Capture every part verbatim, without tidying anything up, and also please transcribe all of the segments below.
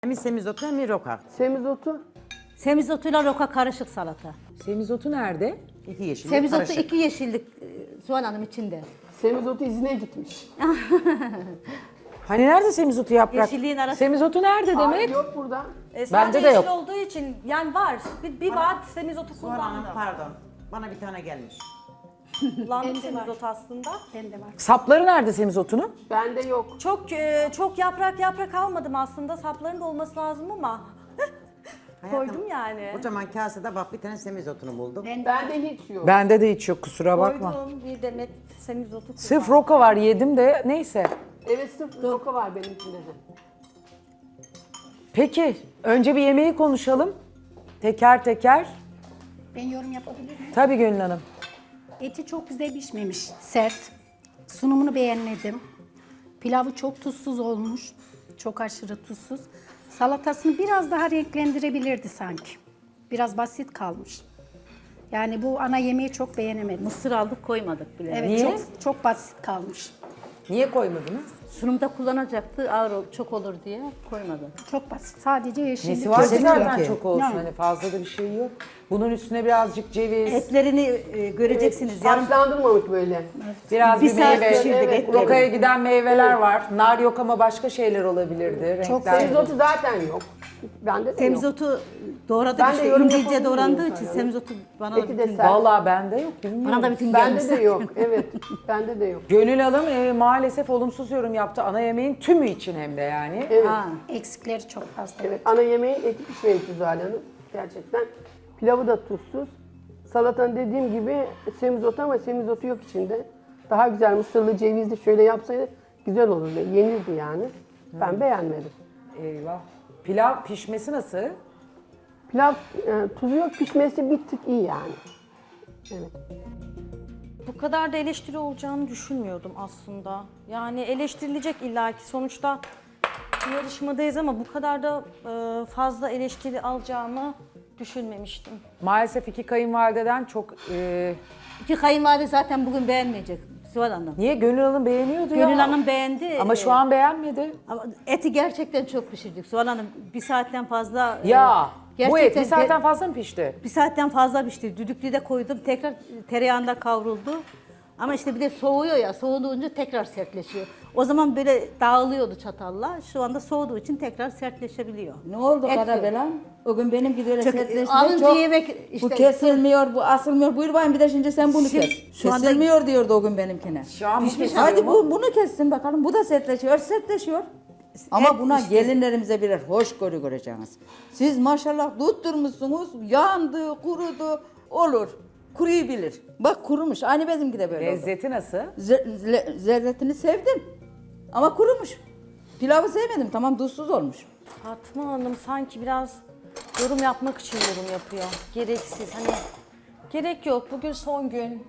Hem semizotu hem roka. Semizotu. Semizotuyla roka karışık salata. Semizotu nerede? İki yeşil. Semizotu karışık. iki yeşillik e, Zuhal Hanım içinde. Semizotu izine gitmiş. Hani nerede semizotu yaprak? Yeşilliğin arası- Semizotu nerede Hayır, demek? yok burada. E, Bende sadece de yeşil yok. olduğu için yani var. Bir, bir vaat semizotu Zuhal Hanım, kullandım. pardon. Bana bir tane gelmiş. Kullandım semizotu aslında. Bende var. Sapları nerede semizotunun? Bende yok. Çok e, çok yaprak yaprak almadım aslında. Sapların da olması lazım ama koydum yani. Kocaman kasede bak bir tane semizotunu buldum. Bende hiç yok. Bende de hiç yok, kusura bakma. Koydum bir demet semizotu kullandım. Sırf roka var, yedim de neyse. Evet, sırf roka var benimkinde de. Peki önce bir yemeği konuşalım. Teker teker. Ben yorum yapabilir miyim? Tabii Gönül Hanım. Eti çok güzel pişmemiş, sert. Sunumunu beğenmedim. Pilavı çok tuzsuz olmuş, çok aşırı tuzsuz. Salatasını biraz daha renklendirebilirdi sanki. Biraz basit kalmış. Yani bu ana yemeği çok beğenemedim. Mısır aldık koymadık bile. Evet, Niye? çok çok basit kalmış. Niye koymadınız? Sunumda kullanacaktı ağır ol- çok olur diye koymadı. Çok basit. Sadece yeşillik. Nesi var Kesinlikle. zaten çok olsun, Yani. hani fazla da bir şey yok. Bunun üstüne birazcık ceviz, Etlerini e, göreceksiniz. Yarın Taşlandırmamış böyle. biraz bir bir, saat meyve. pişirdik Evet, etleri. Rokaya giden meyveler var. Nar yok ama başka şeyler olabilirdi. Çok renkler. Semizotu zaten yok. Bende de yok. Semizotu doğradık Ben de işte yorum ince yapabilirim doğrandığı Zuhal için Hanım. semizotu bana da Eti de bütün, sert. Vallahi bende yok, bilmiyorum. bana da bütün gelmiş. Bende de yok. Evet. Bende de yok. Gönül Hanım e, maalesef olumsuz yorum yaptı. Ana yemeğin tümü için hem de yani. Evet. Ha. Eksikleri çok fazla. Evet. Ana yemeğin eti pişmemiş Zuhal Hanım. Gerçekten. Pilavı da tuzsuz. Salatanın dediğim gibi semizotu ama semizotu yok içinde. Daha güzel mısırlı, cevizli şöyle yapsaydı güzel olurdu. Yenirdi yani. Ben beğenmedim. Eyvah. Pilav pişmesi nasıl? Pilav e, tuzu yok, pişmesi bir tık iyi yani. Evet. Bu kadar da eleştiri olacağını düşünmüyordum aslında. Yani eleştirilecek illaki sonuçta bir yarışmadayız ama bu kadar da e, fazla eleştiri alacağımı düşünmemiştim. Maalesef iki kayınvalideden çok... e, İki kayınvalide zaten bugün beğenmeyecek Zuhal Hanım. niye? Gönül Hanım beğeniyordu ya. Gönül Hanım beğendi. Ama şu e, an beğenmedi. Ama eti gerçekten çok pişirdik Zuhal Hanım. Bir saatten fazla... e, Ya bu et bir gerçekten saatten te- fazla mı pişti? Bir saatten fazla pişti. Düdüklüde koydum. Tekrar tereyağında kavruldu. Ama işte bir de soğuyor ya. Soğuduğunca tekrar sertleşiyor. O zaman böyle dağılıyordu çatalla. Şu anda soğuduğu için tekrar sertleşebiliyor. Ne oldu Et Karabelan? O gün benimki de öyle Çok- sertleşti. alınca Çok, yemek işte- bu kesilmiyor, bu asılmıyor. Buyur bakayım bir de şimdi sen bunu Şimdi kes. şu anda- Kesilmiyor diyordu o gün benimkine. Şu an pişmiş. Hadi bu, bunu kessin bakalım. Bu da sertleşiyor, sertleşiyor. Ama Et buna işte- gelinlerimize birer hoşgörü göreceğiniz. Siz maşallah tutturmuşsunuz, yandı, kurudu, olur. Kuruyu bilir. Bak kurumuş, aynı bizimki de böyle oldu. Lezzeti nasıl? Ze- le- zerretini sevdim ama kurumuş. Pilavı sevmedim, tamam tuzsuz olmuş. Fatma Hanım sanki biraz yorum yapmak için yorum yapıyor. Gereksiz hani gerek yok. Bugün son gün.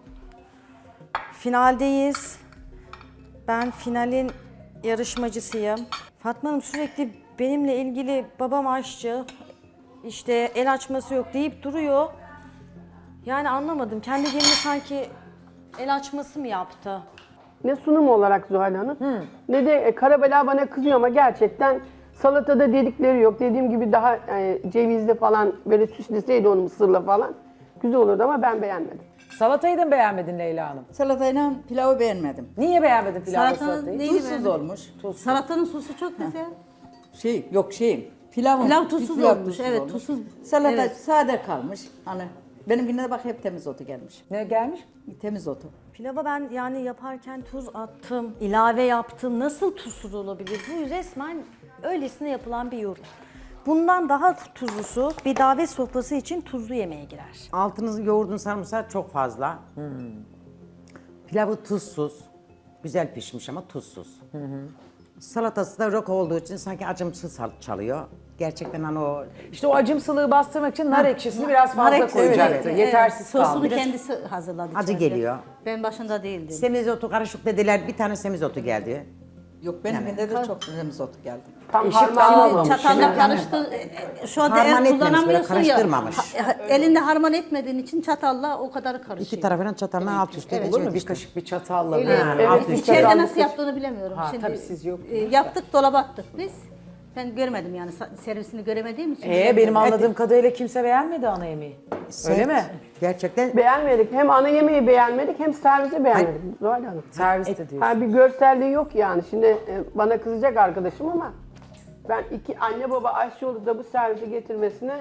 Finaldeyiz. Ben finalin yarışmacısıyım. Fatma Hanım sürekli benimle ilgili babam aşçı, işte el açması yok deyip duruyor. Yani anlamadım. Kendi gelini sanki el açması mı yaptı? Ne sunum olarak Zuhal Hanım ne de e, Karabela bana kızıyor ama gerçekten salatada dedikleri yok. Dediğim gibi daha e, cevizli falan böyle süsleseydi onu mısırla falan güzel olurdu ama ben beğenmedim. Salatayı da mı beğenmedin Leyla Hanım? Salatayla pilavı beğenmedim. Niye beğenmedin pilavla Salatanın salatayı? neyini Tuzsuz beğendin? olmuş. Salatanın sosu çok güzel. Şey yok şeyim. Pilavım. Pilav tuzsuz pilav olmuş, evet, tuzsuz. Salata Evet. sade kalmış. Hani benimkine de bak hep temiz otu gelmiş. Ne gelmiş? Temiz otu. Pilava ben yani yaparken tuz attım, ilave yaptım. Nasıl tuzsuz olabilir? Bu resmen öylesine yapılan bir yorum. Bundan daha tuzlusu bir davet sofrası için tuzlu yemeğe girer. Altınızı yoğurdun sarımsağı çok fazla. Hmm. Pilavı tuzsuz. Güzel pişmiş ama tuzsuz. Salatası da roka olduğu için sanki acımsı sal- çalıyor. Gerçekten hani o İşte o acımsılığı bastırmak için nar ekşisini biraz Nar fazla ekşisi, koyacaktı. evet, Yetersiz evet. Sosunu kaldı. kendisi hazırladı. acı içeride. geliyor. Ben başında değildim. Semizotu karışık dediler. Bir tane semizotu geldi. Yok benimkinde de çok temiz otu geldi. Tam Eşit harmanlamamış. Çatalla karıştı. e, Şu anda Harman el etmemiş, kullanamıyorsun böyle ya. karıştırmamış. ha- Elinde harman etmediğin için çatalla o kadar karışıyor. İki tarafından çatalına alt üst Olur edeceğiz mu? Bir işte. kaşık bir çatalla. Öyle, böyle. Ha, evet, alt üst içeride edeceğiz. nasıl yaptığını bilemiyorum. Ha, Şimdi tabii siz yok. e, yaptık, dolaba attık biz. Ben görmedim yani sa- servisini göremediğim için. Ee, benim bilemedim. anladığım kadarıyla kimse beğenmedi ana yemeği. Öyle mi? Gerçekten Beğenmedik. Hem ana yemeği beğenmedik hem servisi beğenmedik Zuhal Hanım. Serviste diyorsun. Ha, bir görselliği yok yani. Şimdi e, bana kızacak arkadaşım ama ben iki anne baba aşçı olup da bu servisi getirmesine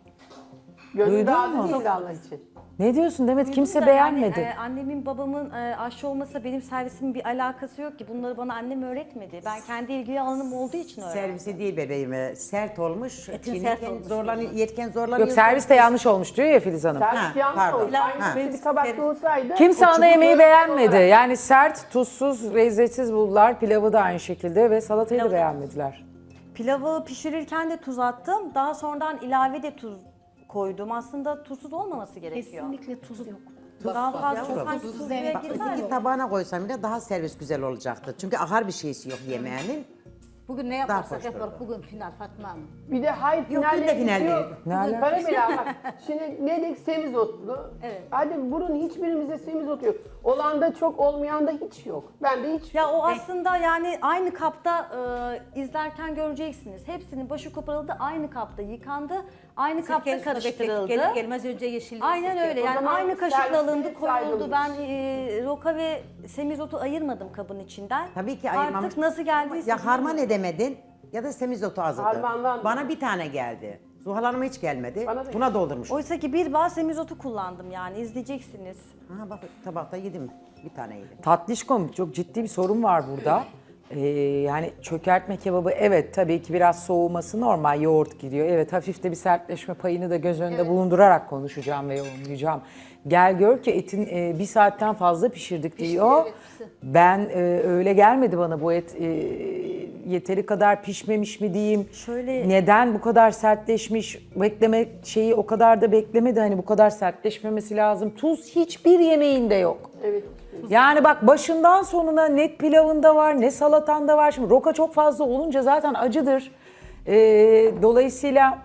gönül Duydun razı mu? değil Allah için. Ne diyorsun Demet? Kimse Da beğenmedi. Yani, e, annemin babamın e, aşçı olmasa benim servisimin bir alakası yok ki. Bunları bana annem öğretmedi. Ben kendi ilgili alanım olduğu için öğrendim. servisi değil bebeğim, e, sert olmuş. Etin Çiğnerken sert olmuş. zorlanıyor, yerken zorlanıyor. Yok servis de yanlış olmuş diyor ya Filiz Hanım. Servis Ha, yanlış pardon. olmuş. Ha. Aynı bir tabakta olsaydı. Kimse o ana çubuk yemeği böyle beğenmedi. olarak- Yani sert, tuzsuz, lezzetsiz buldular. Pilavı da aynı şekilde ve salatayı da beğenmediler. Pilavı pişirirken de tuz attım. Daha sonradan ilave de tuz koydum. Aslında tuzsuz olmaması gerekiyor. Kesinlikle tuz yok. Daha fazla Yavrum. sanki tuz suya Bak, girmez. öteki tabağına koysam bile daha servis güzel olacaktı. Çünkü ahar bir şeysi yok yemeğinin. Bugün ne yaparsak hoş yaparız. Bugün final Fatma Hanım. Bir de hayır Yok, finalle dün de final ilgisi yok. değil. Ne alaka? Karabela bak. Şimdi ne dedik semizotlu. Evet. Hadi burun hiçbirimizde semizotu yok. Olan da çok olmayan da hiç yok. Ben de hiç Ya o aslında yani aynı kapta e, izlerken göreceksiniz. Hepsinin başı koparıldı, aynı kapta yıkandı, aynı kapta Sirkelisini karıştırıldı. beklettik, Gelir gelmez önce yeşilliği Aynen sirke. öyle. O Yani zaman aynı kaşıkla servise alındı, koyuldu. saygılıyız. Ben e, roka ve semizotu ayırmadım kabın içinden. Tabii ki ayırmamış. Artık nasıl geldiyse. Ya harman edemedin ya da semizotu azdı. Harmanlandı. Bana bir tane geldi. Zuhal Hanım'a hiç gelmedi. Bana da Buna doldurmuş. Oysa ki bir bağ semizotu kullandım yani izleyeceksiniz. Ha bak tabakta yedim. Bir tane yedim. Tatlışkom çok ciddi bir sorun var burada. Ee, yani çökertme kebabı evet tabii ki biraz soğuması normal, yoğurt giriyor. Evet hafif de bir sertleşme payını da göz önünde bulundurarak konuşacağım ve yorumlayacağım. Gel gör ki etin e, bir saatten fazla pişirdik diyor. Ben e, öyle gelmedi bana bu et e, yeteri kadar pişmemiş mi diyeyim. Şöyle- Neden bu kadar sertleşmiş, bekleme şeyi o kadar da beklemedi hani bu kadar sertleşmemesi lazım. Tuz hiçbir yemeğinde yok. Evet. Yani bak başından sonuna net pilavında var, ne salatanda var. Şimdi roka çok fazla olunca zaten acıdır. Ee, dolayısıyla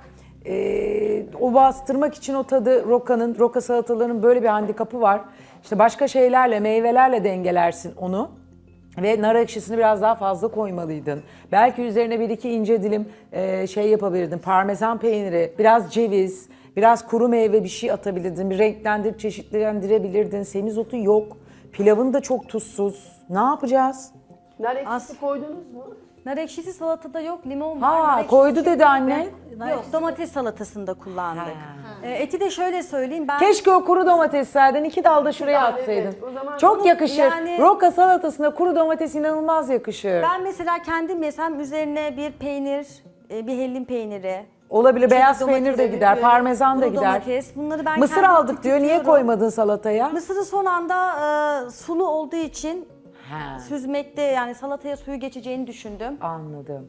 e, o bastırmak için o tadı rokanın, roka salatalarının böyle bir handikapı var. İşte başka şeylerle, meyvelerle dengelersin onu. Ve nar ekşisini biraz daha fazla koymalıydın. Belki üzerine bir iki ince dilim e, şey yapabilirdin. Parmesan peyniri, biraz ceviz, biraz kuru meyve bir şey atabilirdin. Bir renklendirip çeşitlendirebilirdin. Semizotu yok. Pilavın da çok tuzsuz. Ne yapacağız? Nar ekşisi As- koydunuz mu? Nar ekşisi salatada yok, limon var. nar Ha ekşisi koydu çok- dedi anne. Yok, domates salatasında kullandık. Ee, eti de şöyle söyleyeyim ben... Keşke o kuru domateslerden iki dal da şuraya tane, atsaydın. evet. O zaman Çok bunu yakışır. yani- Roka salatasına kuru domates inanılmaz yakışır. Ben mesela kendim yesem üzerine bir peynir, e, bir hellim peyniri, Olabilir. Beyaz domates peynir de övüyorum, gider, parmesan da kuru gider. domates, bunları ben Mısır kendim aldık diyor. Niye tüketiyorum. koymadın salataya? Mısırı son anda e, sulu olduğu için Ha, süzmekte yani salataya suyu geçeceğini düşündüm. anladım.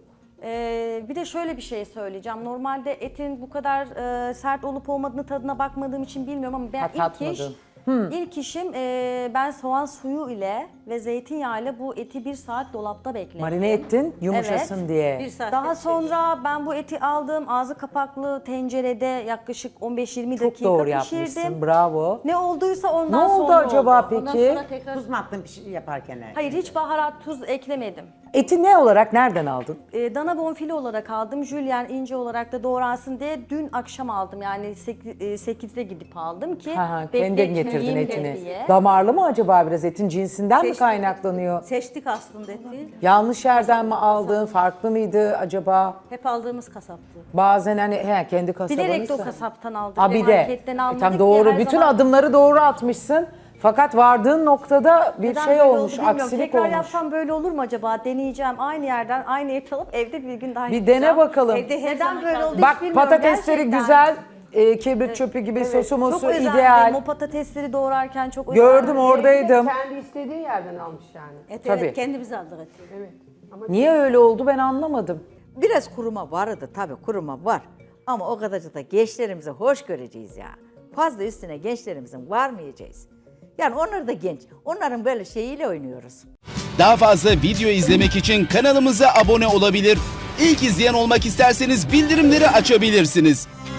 Ee, bir de şöyle bir şey söyleyeceğim. Normalde etin bu kadar e, sert olup olmadığını tadına bakmadığım için bilmiyorum ama ben Ha, ilk iş, tatmadın. ilk işim e, ben soğan suyu ile ve zeytinyağı ile bu eti bir saat dolapta beklettim. Marine ettin yumuşasın Evet. diye. Bir saat Daha bekleyin. sonra ben bu eti aldım ağzı kapaklı tencerede yaklaşık on beş yirmi Çok dakika doğru pişirdim. yapmışsın. Bravo. Ne olduysa Ne ondan oldu sonra acaba oldu. Ondan peki? sonra tekrar Tuz mu attın bir şey yaparken? Hayır hiç baharat tuz eklemedim. Eti ne olarak nereden aldın? E, dana bonfile olarak aldım. Jülyen ince olarak da doğransın diye dün akşam aldım. Yani sekizde gidip aldım ki Ha, ha, kendin getirdin bekletmeyeyim etini. diye. Damarlı mı acaba biraz etin cinsinden mi Seçtik. kaynaklanıyor? seçtik aslında eti. Yanlış yerden mi aldın? Farklı mıydı acaba? Hep aldığımız kasaptı. Bazen hani he, kendi kasabanıysa. Bilerek de o kasaptan aldık. Ha ve bir de. marketten E, almadık tam ki doğru. her Bütün zaman- adımları doğru atmışsın. Fakat vardığın noktada bir Neden şey böyle olmuş, oldu bilmiyorum. aksilik Tekrar olmuş. yapsam böyle olur mu acaba? Deneyeceğim. Aynı yerden aynı et alıp evde bir gün daha Bir yapacağım. dene bakalım. Evde her Neden zaman böyle kaldı. oldu hiç Bak bilmiyorum. patatesleri Gerçekten. güzel, e, kibrit çöpü gibi sosu mosu Çok özendim. ideal. O patatesleri doğrarken çok Gördüm özendim. oradaydım. Kendi istediği yerden almış yani. Et, Tabii. evet, kendimiz aldık eti. Evet. Ama Niye öyle oldu ben anlamadım. Biraz kuruma vardı tabii kuruma var. Ama o kadarcık da gençlerimizi hoş göreceğiz ya. Fazla üstüne gençlerimizin varmayacağız. Yani onlar da genç. Onların böyle şeyiyle oynuyoruz. Daha fazla video izlemek için kanalımıza abone olabilir. İlk izleyen olmak isterseniz bildirimleri açabilirsiniz.